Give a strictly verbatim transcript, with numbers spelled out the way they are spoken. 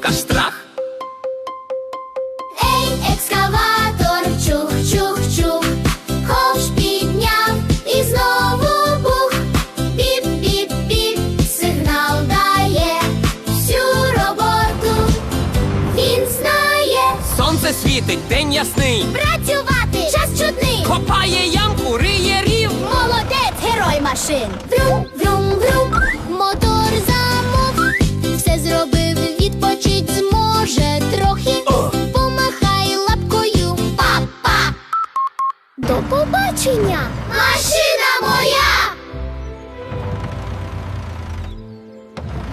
покаж страх. Ей, екскаватор, чух-чух-чух, ковш підняв і знову бух. Біп-біп-біп, сигнал дає, всю роботу він знає. Сонце світить, день ясний, Працювати, час чудний, копає ямку, риє рів. молодець, герой машин. Врум, врум, врум, мотор замов, все зробив, відпочить зможе трохи. Помахай лапкою, па-па. До побачення, машина моя.